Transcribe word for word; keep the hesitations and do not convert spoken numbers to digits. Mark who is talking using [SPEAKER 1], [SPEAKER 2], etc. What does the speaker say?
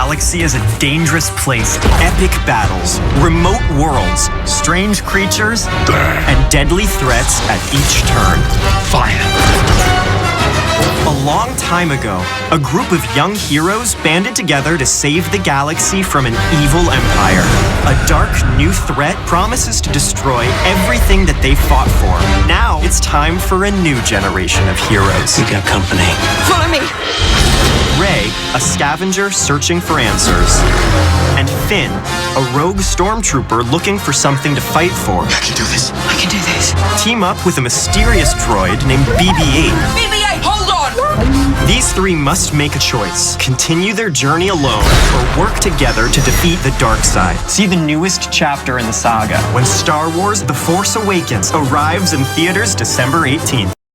[SPEAKER 1] galaxy is a dangerous place. Epic battles, remote worlds, strange creatures, and deadly threats at each turn.
[SPEAKER 2] Fire.
[SPEAKER 1] A long time ago, a group of young heroes banded together to save the galaxy from an evil empire. A dark new threat promises to destroy everything that they fought for. Now it's time for a new generation of heroes.
[SPEAKER 2] We got company.
[SPEAKER 3] Follow me.
[SPEAKER 1] Rey, a scavenger searching for answers. And Finn, a rogue stormtrooper looking for something to fight for.
[SPEAKER 2] I can do this.
[SPEAKER 3] I can do this.
[SPEAKER 1] Team up with a mysterious droid named B B eight.
[SPEAKER 3] B B eight, hold on!
[SPEAKER 1] These three must make a choice. Continue their journey alone or work together to defeat the dark side. See the newest chapter in the saga when Star Wars The Force Awakens arrives in theaters December eighteenth.